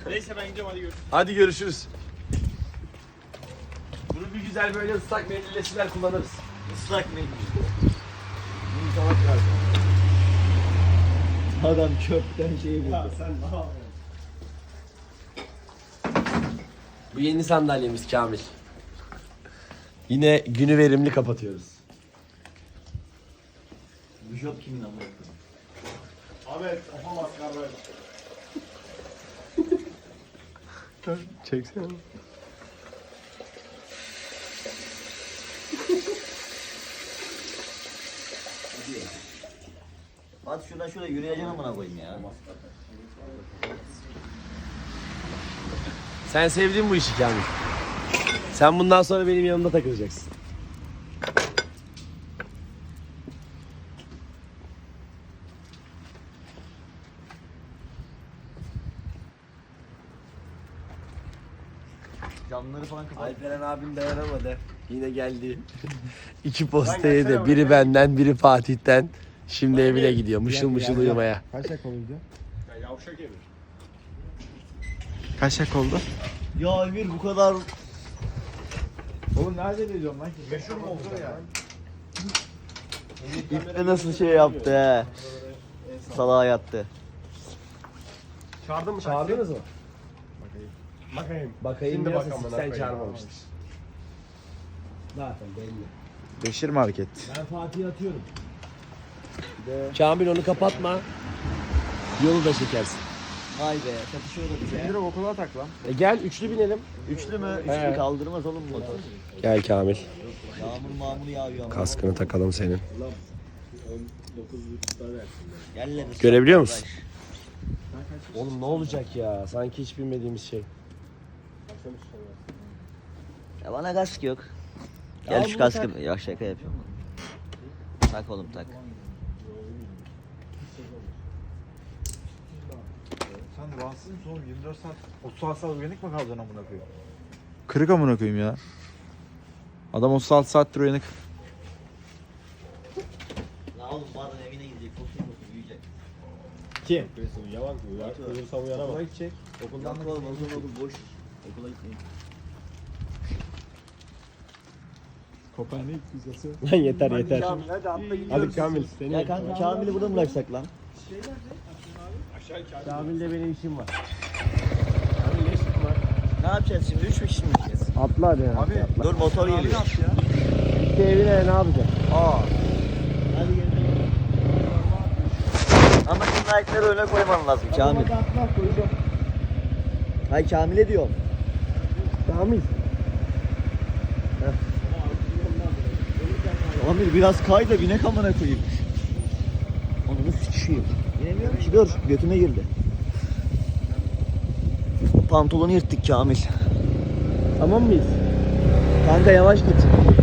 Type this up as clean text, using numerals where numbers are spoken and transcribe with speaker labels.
Speaker 1: Neyse ben gideceğim, hadi görüşürüz.
Speaker 2: Hadi görüşürüz. Bunu bir güzel böyle ıslak mendille siler kullanırız.
Speaker 3: Islak mendil. Bunu salak lazım. Adam çöpten şeyi buldu.
Speaker 1: Sen ne yapıyorsun?
Speaker 2: Bu yeni sandalyemiz Kamil. Yine günü verimli kapatıyoruz.
Speaker 3: Bu job kimin ama?
Speaker 1: Ahmet, yapamaz kardeş.
Speaker 2: Çeksene.
Speaker 3: Hadi şuradan şuraya yürüyeceksin amına koyayım ya.
Speaker 2: Sen sevdin bu işi Kamil. Sen bundan sonra benim yanımda takılacaksın.
Speaker 3: Camları falan kapat.
Speaker 2: Alperen abim dayanamadı. Yine geldi. İki posta yedi. Biri benden, biri Fatih'ten. Şimdi evine gidiyor. Mışıl mışıl uyumaya.
Speaker 4: Kaç dakika oldu?
Speaker 1: Ya yavşak Emir.
Speaker 4: Kaç dakika oldu?
Speaker 3: Ya Emir bu kadar
Speaker 4: Oğlum nerede ediyorum lan?
Speaker 1: Meşhur mu oldu ya?
Speaker 3: İpte nasıl şey yaptı he. Salağa yattı.
Speaker 1: Çağırdın mı?
Speaker 2: Çağırdınız mı?
Speaker 1: Bakayım.
Speaker 2: Bakayım
Speaker 1: Şimdi
Speaker 2: biraz
Speaker 1: bak amına
Speaker 2: sen
Speaker 1: koyayım.
Speaker 2: çağırmamıştır. Zaten belli.
Speaker 4: Beşir Market.
Speaker 2: Ben Fatih'i atıyorum. Kamil onu kapatma. Yolu da çekersin.
Speaker 3: Vay be çatışıyordu bize.
Speaker 4: Emir okula tak lan.
Speaker 2: Gel üçlü binelim.
Speaker 3: Üçlü mü?
Speaker 2: He.
Speaker 3: Üçlü kaldırmaz oğlum motor.
Speaker 2: Gel Kamil.
Speaker 3: Yağmur mağmur yağıyor ama.
Speaker 2: Kaskını takalım senin.
Speaker 3: Gel lan.
Speaker 2: Görebiliyor musun? Oğlum ne olacak ya? Sanki hiç bilmediğimiz şey.
Speaker 3: Ya bana kask yok.
Speaker 2: Ya
Speaker 3: Gel şu
Speaker 2: bunu
Speaker 3: kaskı. Ya şaka yapıyorum. Tak oğlum tak.
Speaker 4: Sen rahatsız mısın oğlum? 24 saat, 36 saat uyanık mı kalacaksın amına koyayım? Kırık amına koyayım ya. Adam 36 saattir uyanık.
Speaker 3: La oğlum bu adam evine gidecek. Kokuyor uyuyacak.
Speaker 1: Kim? Yalan mı? Uyursam uyanamam.
Speaker 4: gidecek.
Speaker 3: Okuldan da oğlum okul boş. Okula gitmeyin.
Speaker 4: Kopernik vizesi.
Speaker 2: Lan yeter yeter.
Speaker 3: Kamil hadi atla gidiyoruz.
Speaker 1: Hadi Kamil seni.
Speaker 3: Ya kanka Kamil'i burada mı bıraksak lan?
Speaker 1: Aşağı Kamil.
Speaker 2: Kamil'de benim işim var.
Speaker 1: Kamil ne işin var?
Speaker 3: Ne yapacağız şimdi? 3 kişi mi gideceğiz?
Speaker 2: Atla hadi ya.
Speaker 4: Abi
Speaker 3: Dur motor
Speaker 4: abi
Speaker 3: geliyor.
Speaker 4: yaptı ya.
Speaker 2: Gitti evine ne yapacak?
Speaker 3: Aa. Hadi gel. Ama senin ayakları öne koyman lazım Kamil.
Speaker 2: Atla koyacağım.
Speaker 3: Hay Kamil'e diyorum.
Speaker 2: Kamil.
Speaker 3: Kamil biraz kay da binek amına koyayım. Onu sıçışıyım. Binemiyorum ki dur götüme girdi. Pantolonu yırttık Kamil.
Speaker 2: Tamam mıyız?
Speaker 3: Kanka yavaş git.